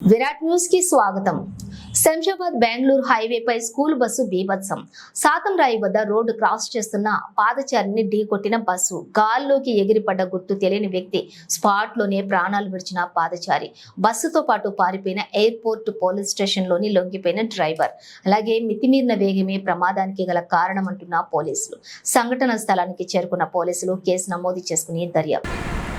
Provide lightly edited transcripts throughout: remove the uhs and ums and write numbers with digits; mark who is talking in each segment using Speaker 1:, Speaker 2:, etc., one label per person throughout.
Speaker 1: Virat news కి స్వాగతం. శంషాబాద్ బెంగళూరు హైవేపై స్కూల్ బస్సు బీభత్సం. సాతంరాయి వద్ద రోడ్డు క్రాస్ చేస్తున్న పాదచారిని ఢీకొట్టిన బస్సు. గాల్లోకి ఎగిరిపడ్డ గుర్తు తెలియని వ్యక్తి స్పాట్ లోనే ప్రాణాలు విడిచిన పాదచారి. బస్సుతో పాటు పారిపోయిన ఎయిర్పోర్ట్ పోలీస్ స్టేషన్ లోని లొంగిపోయిన డ్రైవర్. అలాగే మితిమీరిన వేగమే ప్రమాదానికి గల కారణమంటున్న పోలీసులు. సంఘటన స్థలానికి చేరుకున్న పోలీసులు కేసు నమోదు చేసుకుని దర్యాప్తు.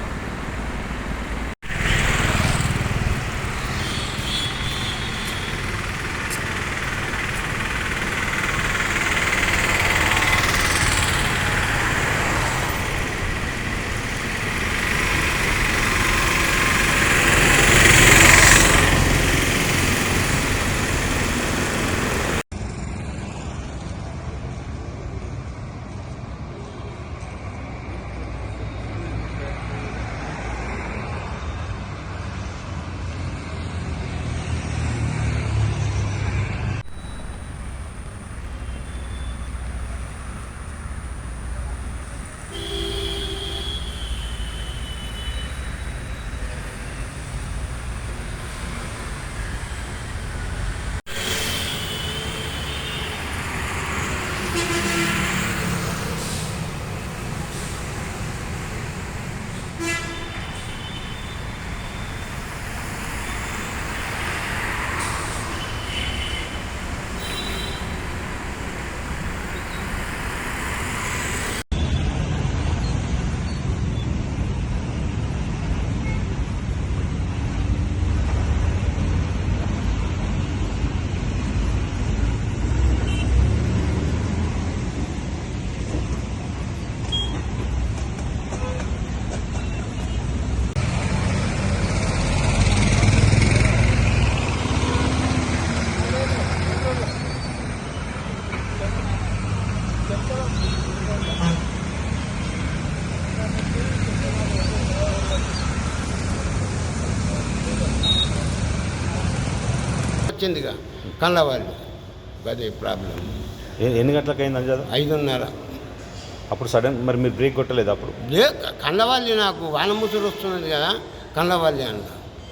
Speaker 2: వచ్చిందిగా కళ్ళవాళ్ళు అదే ప్రాబ్లం.
Speaker 3: ఎన్ని గంటలకు అయింది అంజాద?
Speaker 2: 5:30.
Speaker 3: అప్పుడు సడన్ మరి మీరు బ్రేక్ కొట్టలేదు? అప్పుడు
Speaker 2: కళ్ళవాళ్ళి నాకు వానముసురు వస్తున్నది కదా, కళ్ళవాళ్ళి అన్న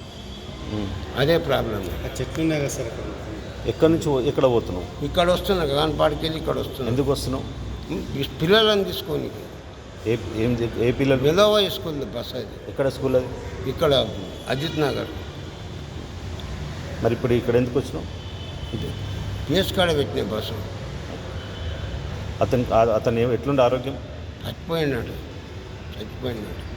Speaker 2: అదే ప్రాబ్లం.
Speaker 4: చెట్లు ఉన్నాయి కదా సార్.
Speaker 3: ఎక్కడి నుంచి ఎక్కడ పోతున్నావు?
Speaker 2: ఇక్కడ వస్తున్నా కాన్పాడికి వెళ్ళి ఇక్కడ వస్తున్నా.
Speaker 3: ఎందుకు వస్తున్నావు?
Speaker 2: పిల్లలను తీసుకొని.
Speaker 3: ఏ పిల్లలు?
Speaker 2: వెలోవా స్కూల్ బస్ అది.
Speaker 3: ఎక్కడ స్కూల్ అది?
Speaker 2: ఇక్కడ అజిత్ నగర్.
Speaker 3: మరి ఇప్పుడు ఇక్కడ ఎందుకు వచ్చినావు?
Speaker 2: పిఎస్ కాడ పెట్టిన బస్సు.
Speaker 3: అతను ఎట్లుండే ఆరోగ్యం?
Speaker 2: చచ్చిపోయినాడు.